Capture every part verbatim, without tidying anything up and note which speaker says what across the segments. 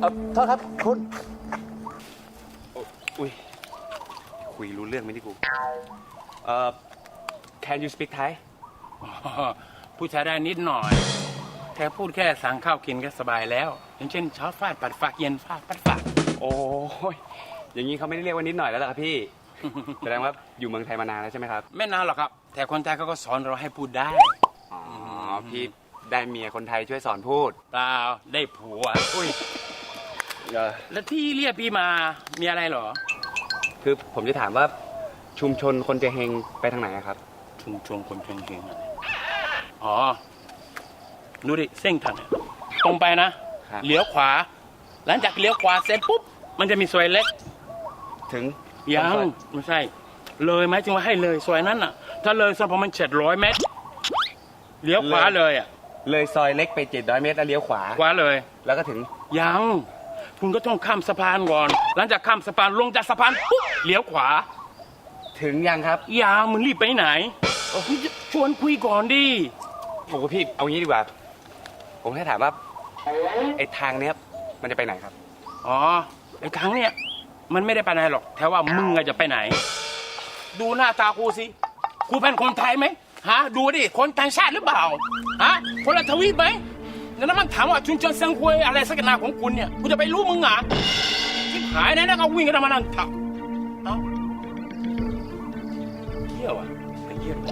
Speaker 1: อโทษครับคุณอุ้ยคุยรู้เรื่องไหมที่กูเอ่อ Can you speak Thai
Speaker 2: ผู้ชายได้นิดหน่อยแค่พูดแค่สั่งข้าวกินก็สบายแล้วอย่างเช่นเช้าฟาดปัดฝากเย็นฟาดปัดฝาก
Speaker 1: โอ้ยอย่างนี้เขาไม่ได้เรียกว่านิดหน่อยแล้วล่ะครับพี่ แสดงว่าอยู่เมืองไทยมานานแล้วใช่ไหมครับ
Speaker 2: ไม่นานหรอกครับแต่คนไทยเขาก็สอนเราให้พูดได้
Speaker 1: อ๋อพี่ได้เมียคนไทยช่วยสอนพูด
Speaker 2: เปล่าได้ผัวอุ้ยแล้วที่เรียกพี่มามีอะไรเหรอ
Speaker 1: คือผมจะถามว่าชุมชนคนเจเฮงไปทางไหนครับ
Speaker 2: ชุมชนคนเจเฮงอ๋อดูดิเส้นทางตรงไปนะเลี้ยวขวาหลังจากเลี้ยวขวาเสร็จปุ๊บมันจะมีซอยเล็ก
Speaker 1: ถึง
Speaker 2: ยังไม่ใช่เลยไหมจึงว่าให้เลยซอยนั้นอ่ะถ้าเลยสักประมาณเจ็ดร้อยเมตรเลี้ยวขวาเลยอ่ะ
Speaker 1: เลยซอยเล็กไปเจ็ดร้อยเมตรแล้วเลี้ยวขวา
Speaker 2: ขวาเลย
Speaker 1: แล้วก็ถึง
Speaker 2: ยังคุณก็ต้องข้ามสะพานก่อนหลังจากข้ามสะพานลงจากสะพานปุ๊บเลี้ยวขวา
Speaker 1: ถึงยังครับ
Speaker 2: ยังมึงรีบไปไหนคุณจะชวนคุยก่อนดิ
Speaker 1: ผมกับพี่เอางี้ดีกว่าผมแค่ถามว่าไอ้ทางเนี้ยมันจะไปไหนครับ
Speaker 2: อ๋อไอ้ทางเนี้ยมันไม่ได้ไปไหนหรอกแต่ว่ามึงจะไปไหนดูหน้าตากูสิกูเป็นคนไทยไหมฮะดูดิคนต่างชาติหรือเปล่าฮะคนละทวีปไหมแล้วมันถามว่าชุนชนเซิงควยอะไรสักนาของคุณเนี่ยกูจะไปรู้มึงอ่ะที่หายนะแล้วก็วิ่งกันมานั่นถักเอ้าเที่ยวอ่ะไปเยี่ยม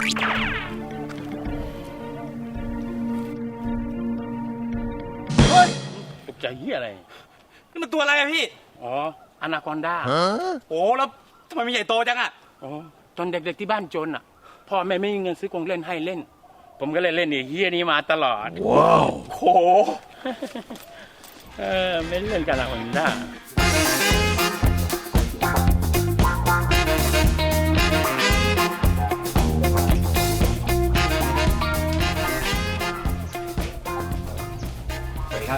Speaker 2: เฮ้ยตกใจเหี้ยอะไร
Speaker 1: นี่มันตัวอะไรอะพี่
Speaker 2: อ๋ออนาคอนดา
Speaker 1: โอ้แล้วทำไมมันใหญ่โตจังอะ
Speaker 2: อ๋อตอนเด็กๆที่บ้านจนอ่ะพ่อแม่ไม่มีเงินซื้อกงเล่นให้เล่นผมก็เลยเล่นไอ้เฮียนี้มาตลอด
Speaker 1: ว้าวโห
Speaker 2: เออไม่เล่นกันละคนด้า
Speaker 1: สวัสดีครับ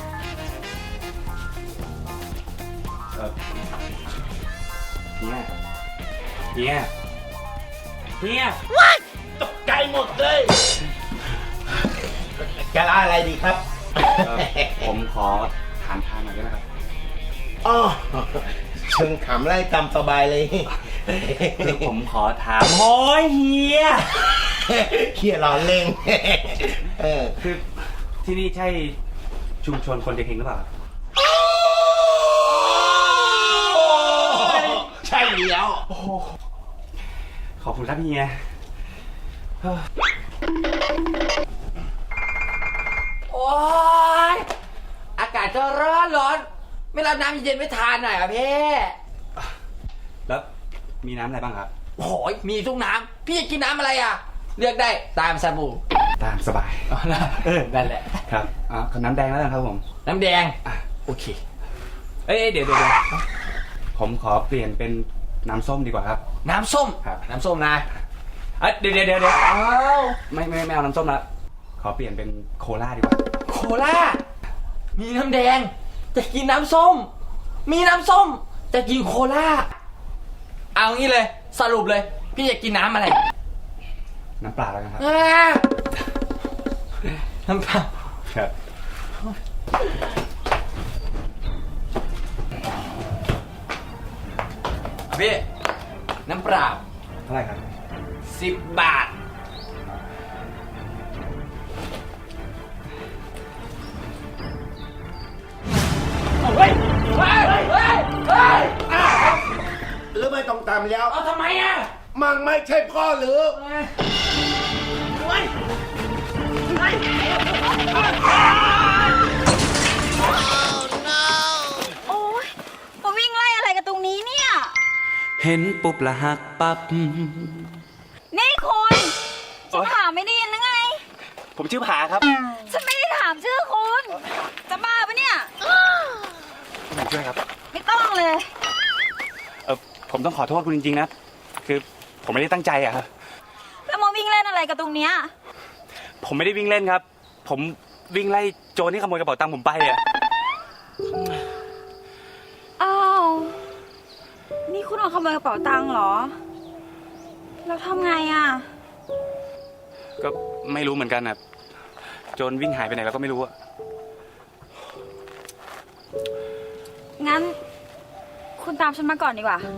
Speaker 1: เออเฮียเฮียเฮีย
Speaker 2: ตกใจหมดเลย
Speaker 3: จะอะไรดีครับ
Speaker 1: ผมขอถามทางหน่อยได้ไหมครับ
Speaker 3: อ๋อเชิงขำไล่ตามสบายเลย
Speaker 1: คือผมขอถามโอ้ยเฮีย
Speaker 3: เฮียร้อนเล่งเออ
Speaker 1: คือที่นี่ใช่ชุมชนคนเจเฮงหรือเปล่า
Speaker 3: ใช่แล้ว
Speaker 1: ขอบคุณครับเฮีย
Speaker 4: โอ้ยอากาศจะร้อนร้อนไม่รับน้ำเย็นไม่ทานหน่อยอ่ะพี่
Speaker 1: แล้วมีน้ำอะไรบ้างครับ
Speaker 4: โอ้ยมีทุกน้ำพี่จะกินน้ำอะไรอ่ะเลือกได้ตามสบู่
Speaker 1: ตามสบาย
Speaker 4: เออนั่นแหละ
Speaker 1: ครับอ๋อขอน้ำแดงแล้วกันครับผม
Speaker 4: น้ำแดง
Speaker 1: อ่ะโอเคเอ้ยเดี๋ยวเดี๋ยวผมขอเปลี่ยนเป็นน้ำส้มดีกว่าครับ
Speaker 4: น้ำส้ม
Speaker 1: ครับ
Speaker 4: น้ำส้มนะ
Speaker 1: เอ้ยเดี๋ยวเดี๋ยวเดี๋ยวอ้าวไม่ไม่ไม่เอาน้ำส้มละขอเปลี่ยนเป็นโคลาดีกว่า
Speaker 4: โคลามีน้ำแดงจะกินน้ำส้มมีน้ำส้มจะกินโคลาเอางี้เลยสรุปเลยพี่จะกินน้ำอะไร
Speaker 1: น้ำเปล่าแล้วกันครับ
Speaker 4: น้ำเปล่า
Speaker 1: ครับ
Speaker 4: พี่น้ำเปล่า
Speaker 1: เท่าไหร่ครับ
Speaker 4: สิบบาทเฮ้ยเฮ้ยเฮ้ยเฮ้ย
Speaker 3: หรือไม่ต้องตามแล้ว
Speaker 4: เอาทำไมอ่ะ
Speaker 3: มังไม่ใช่พ่อหรือ
Speaker 4: เฮ้ยเฮ้ย
Speaker 5: โอ้ยมาวิ่งไล่อะไรกันตรงนี้เนี่ย
Speaker 1: เห็นปุ๊บละหักปั๊บ
Speaker 5: นี่คุณจะถามไม่ได้ยินหรือไง
Speaker 1: ผมชื่อผาครับ
Speaker 5: ฉันไม่ได้ถามชื่อคุณจะบ้าปะเนี่ย
Speaker 1: ผมช่วยครับ
Speaker 5: ไม่ต้องเลย
Speaker 1: เออผมต้องขอโทษคุณจริงๆนะคือผมไม่ได้ตั้งใจอะครับ
Speaker 5: แล้วมาวิ่งเล่นอะไรกันตรงเนี้ย
Speaker 1: ผมไม่ได้วิ่งเล่นครับผมวิ่งไล่โจรที่ขโมยกระเป๋าตังค์ผมไปอะ
Speaker 5: อ้าวนี่คุณเอาขโมยกระเป๋าตังค์เหรอแล้วทำไงอะ
Speaker 1: ก็ไม่รู้เหมือนกันอะโจรวิ่งหายไปไหนแล้วก็ไม่รู้อะ
Speaker 5: งั้น คุณตามฉันมาก่อนดีกว่า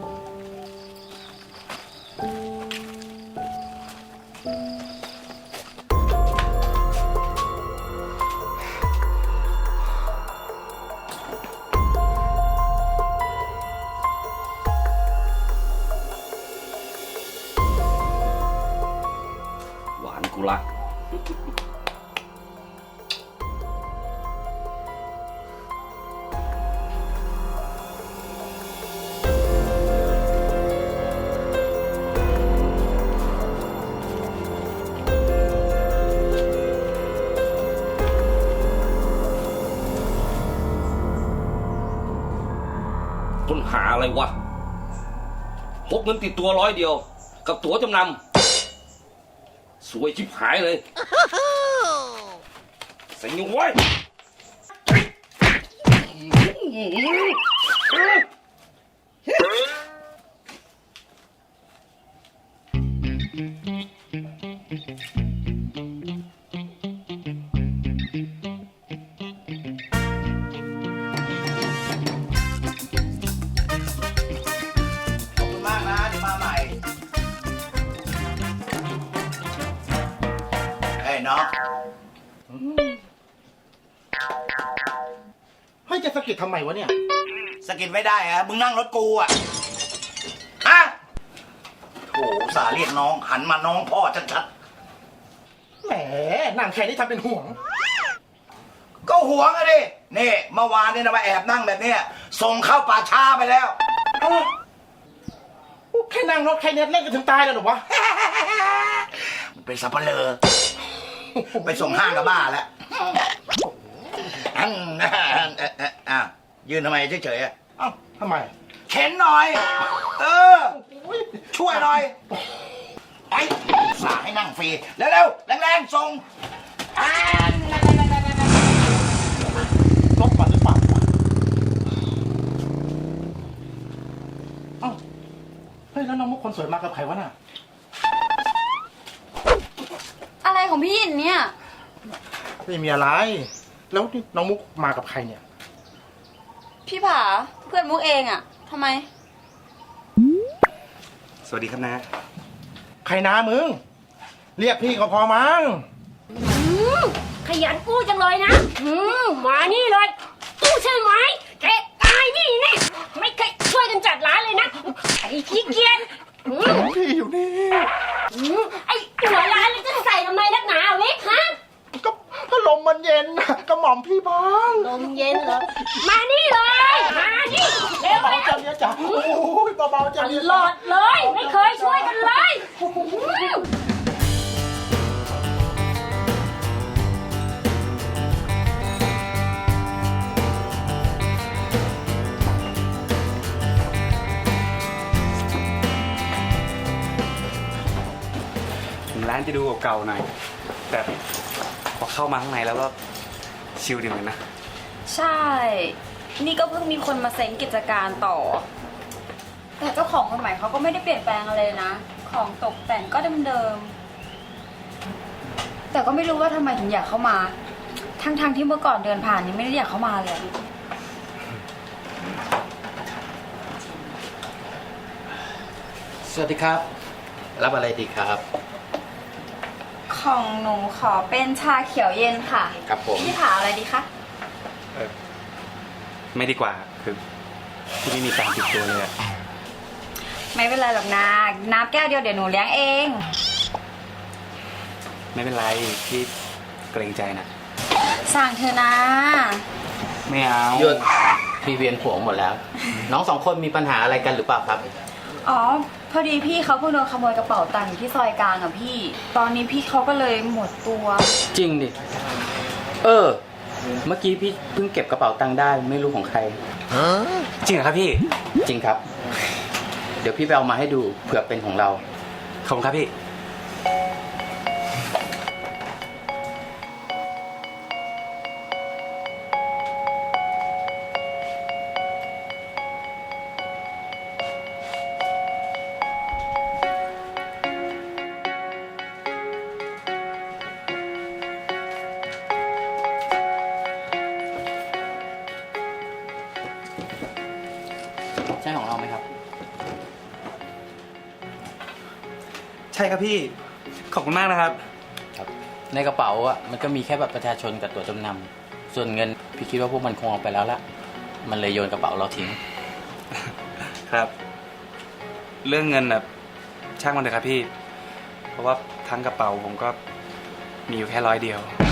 Speaker 1: หวานกูรัก
Speaker 6: ค้นหาอะไรวะพกเงินติดตัวร้อยเดียว กับตั๋วจำนำสวยชิบหายเลยใส่เงินไว้
Speaker 3: ขอบคุณมากนะเดี๋ยวมาใหม่เฮ้ยน้องเฮ้ยจะสะกิดทำไมวะเนี่ยสะกิดไม่ได้อะมึงนั่งรถกูอะฮะโถอุตสาห์เรียกน้องหันมาน้องพ่อชัดๆแหมนั่งแค่นี้ทำเป็นห่วง ก็ห่วงอะดินี่เมื่อวานเนี่ยนะมาแอบนั่งแบบเนี้ยส่งเข้าป่าช้าไปแล้วแค่นั่งรถแค่นี้เล่นกันถึงตายแล้วหรอวะ มันเป็นสับเปลือไปส่งห้างกับบ้าแล้วอันอ่ะยืนทำไมเฉยๆอ่ะเอ้าทำไมเข็นหน่อย เออ ช่วยหน่อยไอ้สาให้นั่งฟรีเร็วๆแรงๆส่งรถมันหรือเปล่าเอ้าเฮ้ยแล้วน้องมุกคนสวยมากับใครวะน่ะ
Speaker 5: อะไรของพี่หยินเนี่ย
Speaker 3: ไม่มีอะไร แล้วนี่น้องมุกมากับใครเนี่ย
Speaker 5: พี่ผาเพื่อนมุกเองอะทำไม
Speaker 1: สวัสดีครับนะ
Speaker 3: ใครนะมึง เรียกพี่ก็พอมั้ง
Speaker 7: ขยันกู้จังเลยนะอืมมานี่เลยกู้ใช่ไหมแกตายนี่แน่ไม่เคยช่วยกันจัดร้านเลยนะไอ้ขี้เกียจอืม
Speaker 3: พี่อยู่นี่
Speaker 7: อืมไอ้หัวร้านเลยจะใส่ทำไมนักหนาเว้ยฮะ
Speaker 3: ก็พัดลมมันเย็นน่ะก็หม่อมพี่บ้าง
Speaker 7: ลมเย็นเหรอ มานี่เลย มานี่เร็ว
Speaker 3: เบา
Speaker 7: เร็ว
Speaker 3: จังเนี่ยจ้ะโอ้ยเบาๆจังเนี่ย
Speaker 7: ตลอดเลย ไม่เคยช่วยกันเลยอืม
Speaker 1: ถึงร้านจะดูเก่าๆหน่อย แต่พอเข้ามาข้างในแล้วก็ชิลดีเหมือนกันนะ
Speaker 5: ใช่ นี่ก็เพิ่งมีคนมาเซ็งกิจการต่อ แต่เจ้าของคนใหม่เขาก็ไม่ได้เปลี่ยนแปลงอะไรนะ ของตกแต่งก็เดิมๆ แต่ก็ไม่รู้ว่าทำไมถึงอยากเข้ามา ทั้งๆที่เมื่อก่อนเดินผ่านยังไม่ได้อยากเข้ามาเลย
Speaker 8: สวัสดีครับ รับอะไรดีครับ
Speaker 5: ของหนูขอเป็นชาเขียวเย็นค่ะ
Speaker 8: ครับผม
Speaker 5: พี่ผาอะไรดีคะ
Speaker 1: ไม่ดีกว่า คือที่ไม่มีตังค์ติดตัวเลยอะ
Speaker 5: ไม่เป็นไรหรอกนะน้ำแก้วเดียวเดี๋ยวหนูเลี้ยงเอง
Speaker 1: ไม่เป็นไรพี่เกรงใจนะ
Speaker 5: สั่งเธอะนะ
Speaker 1: ไม่เอา
Speaker 8: หยุดพี่เวียนหัวหมดแล้ว น้องสองคนมีปัญหาอะไรกันหรือเปล่าครับ
Speaker 5: อ๋อ พอดีพี่เขาเพิ่งโดนขโมยกระเป๋าตังค์อยู่ที่ซอยกลางอะพี่ ตอนนี้พี่เขาก็เลยหมดตัว
Speaker 8: จริงดิ เออ เมื่อกี้พี่เพิ่งเก็บกระเป๋าตังค์ได้ไม่รู้ของใคร
Speaker 1: จริงเหรอครับพี่
Speaker 8: จริงครับ เดี๋ยวพี่ไปเอามาให้ดูเผื่อเป็นของเรา
Speaker 1: ขอบคุณครับพี่ใช่ครับพี่ ขอบคุณมากนะครับ
Speaker 8: ครับ ในกระเป๋าอ่ะมันก็มีแค่บัตรประชาชนกับตั๋วจำนำส่วนเงินพี่คิดว่าพวกมันคงเอาไปแล้วละมันเลยโยนกระเป๋าเราทิ้ง
Speaker 1: ครับ เรื่องเงินแบบช่างมันเถอะครับพี่ เพราะว่าทั้งกระเป๋าผมก็มีอยู่แค่ร้อยเดียว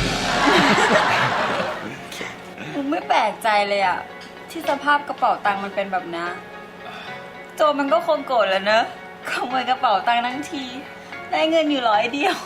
Speaker 5: มุกไม่แปลกใจเลยอะที่สภาพกระเป๋าตังค์มันเป็นแบบนี้โจรมันก็คงโกรธแหล้วเนอะขโมยกระเป๋าตังค์ทั้งที ได้เงินอยู่ร้อยเดียว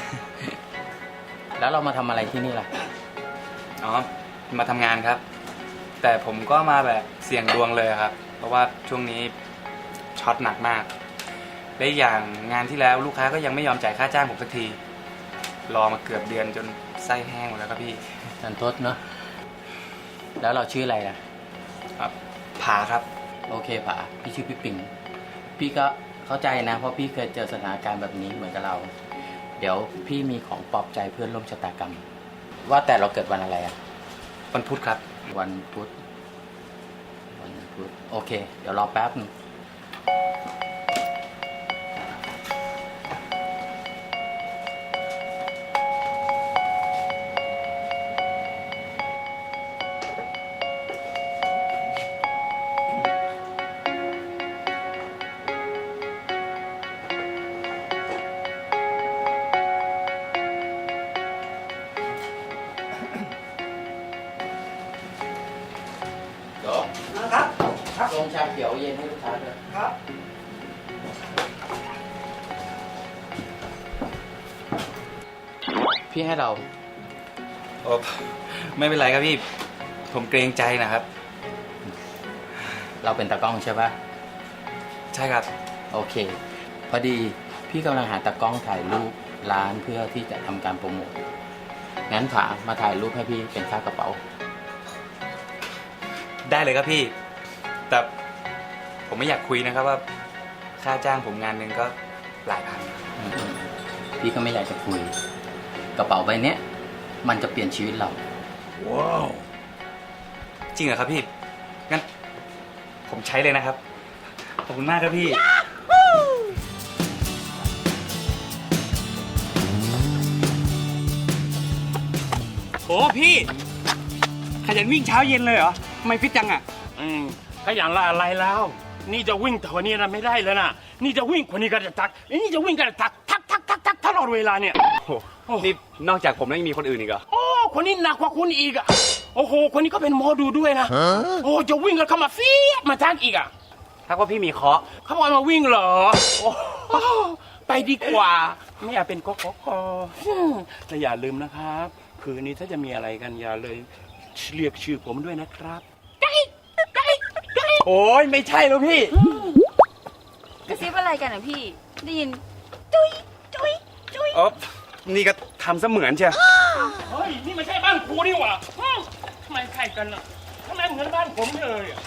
Speaker 8: แล้วเรามาทำอะไรที่นี่ล่ะ
Speaker 1: อ๋อ มาทำงานครับ แต่ผมก็มาแบบเสี่ยงดวงเลยครับ เพราะว่าช่วงนี้ช็อตหนักมากและอีกอย่างงานที่แล้วลูกค้าก็ยังไม่ยอมจ่ายค่าจ้างผมสักที รอมาเกือบเดือนจนไส้แห้งหมดแล้วครับพี่
Speaker 8: นันทดเนาะแล้วเราชื่ออะไรล่ะ
Speaker 1: ครับผาครับ
Speaker 8: โอเคผาพี่ชื่อพี่ปิงพี่ก็เข้าใจนะ เพราะพี่เคยเจอสถานการณ์แบบนี้เหมือนกับเรา เดี๋ยวพี่มีของปลอบใจเพื่อนร่วมชะตากรรม ว่าแต่เราเกิดวันอะไรอะ
Speaker 1: วันพุธครับ
Speaker 8: วันพุธวันพุธโอเค เดี๋ยวรอแป๊บหนึงเดี๋ยว
Speaker 3: ครับ
Speaker 8: ลงชาเขียวเย็นให้ลูกค้าด้วย
Speaker 3: ครับ
Speaker 8: พี่ให้เรา
Speaker 1: โอ้ไม่เป็นไรครับพี่ ผมเกรงใจนะครับ
Speaker 8: เราเป็นตากล้องใช่ปะ
Speaker 1: ใช่ครับ
Speaker 8: โอเค พอดีพี่กำลังหาตากล้องถ่ายรูปร้านเพื่อที่จะทำการโปรโมทงั้นผามาถ่ายรูปให้พี่เป็นค่ากระเป๋า
Speaker 1: ได้เลยครับพี่ แต่ผมไม่อยากคุยนะครับว่า ค่าจ้างผมงานหนึ่งก็หลายพัน
Speaker 8: อืมพี่ก็ไม่อยากจะคุย กระเป๋าใบเนี้ยมันจะเปลี่ยนชีวิตเรา
Speaker 3: ว้าว
Speaker 1: จริงเหรอครับพี่ งั้น ผมใช้เลยนะครับ ขอบคุณมากครับพี่ โอ้พี่ ขยันวิ่งเช้าเย็นเลยเหรอทำไมฟิตจังอ่ะ
Speaker 2: อืมก็อย่างละอะไรแล้ว นี่จะวิ่งแต่วันนี้นะไม่ได้แล้วนะนี่จะวิ่งคนนี้ก็จะทักนี่จะวิ่งก็จะทักทักทักทักทักตลอดเวลาเนี่ย
Speaker 1: โอ้โหนี่นอกจากผมแล้วยังมีคนอื่นอีกเหรอ
Speaker 2: โอ้คนนี้หนักกว่าคุณอีกอะโอ้โหคนนี้ก็เป็นหมอดูด้วยนะโอ้จะวิ่งกันเข้ามาฟีดมาทักอีกอะ
Speaker 1: ถ้าว่าพี่มีเคราะห์
Speaker 2: เขาบอกมาวิ่งเหรอโอ้ไปดีกว่า ไม่อยากเป็นกกกแต่อย่าลืมนะครับ คืนนี้ถ้าจะมีอะไรกันอย่าเลยเรียกชื่อผมด้วยนะครับ
Speaker 1: โอ้ยไม่ใช่แล้วพี่
Speaker 5: กระซิบอะไรกันอ่ะพี่ ได้ยิน จุ๊ยจุ๊ยจุ๊ย
Speaker 1: อ๋อ นี่ก็ทำเสมือนเชียว
Speaker 2: เฮ้ยนี่ไม่ใช่บ้านครูนี่หว่าอืมทำไมใครกันอ่ะทำไมเหมือนบ้านผมเลยอะ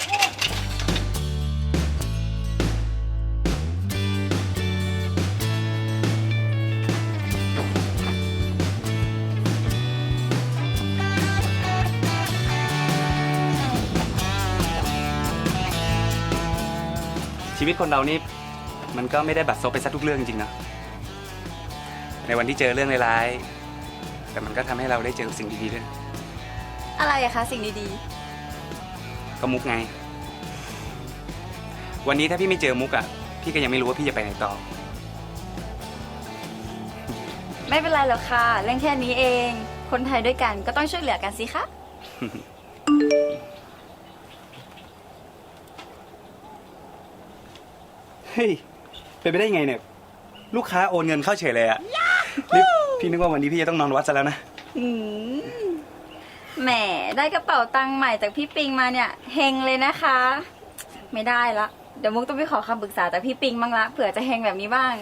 Speaker 1: ชีวิตคนเรานี่มันก็ไม่ได้บัดซบไปซะทุกเรื่องจริงๆนะในวันที่เจอเรื่องร้ายๆแต่มันก็ทำให้เราได้เจอสิ่งดีๆด้วย
Speaker 5: อะไรอะคะสิ่งดี
Speaker 1: ก็มุกไง วันนี้ถ้าพี่ไม่เจอมุกอ่ะพี่ก็ยังไม่รู้ว่าพี่จะไปไหนต่อ
Speaker 5: ๆ ไม่เป็นไรหรอกค่ะ เรื่องแค่นี้เอง คนไทยด้วยกันก็ต้องช่วยเหลือกันสิคะ
Speaker 1: เฮ้ย เป็นไปได้ไงเนี่ย ลูกค้าโอนเงินเข้าเฉยเลยอะนี่พี่นึกว่าวันนี้พี่จะต้องนอนวัดซะแล้วนะ
Speaker 5: อืมแหมได้กระเป๋าตังค์ใหม่จากพี่ปิงมาเนี่ยเฮงเลยนะคะ ไม่ได้ละ เดี๋ยวมุกต้องไปขอคำปรึกษาจากพี่ปิงบ้างละเผื่อจะเฮงแบบนี้บ้าง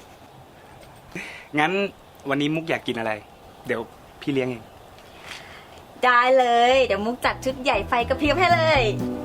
Speaker 1: งั้นวันนี้มุกอยากกินอะไร เดี๋ยวพี่เลี้ยงเอง
Speaker 5: ได้เลย เดี๋ยวมุกจัดชุดใหญ่ไฟกระพริบให้เลย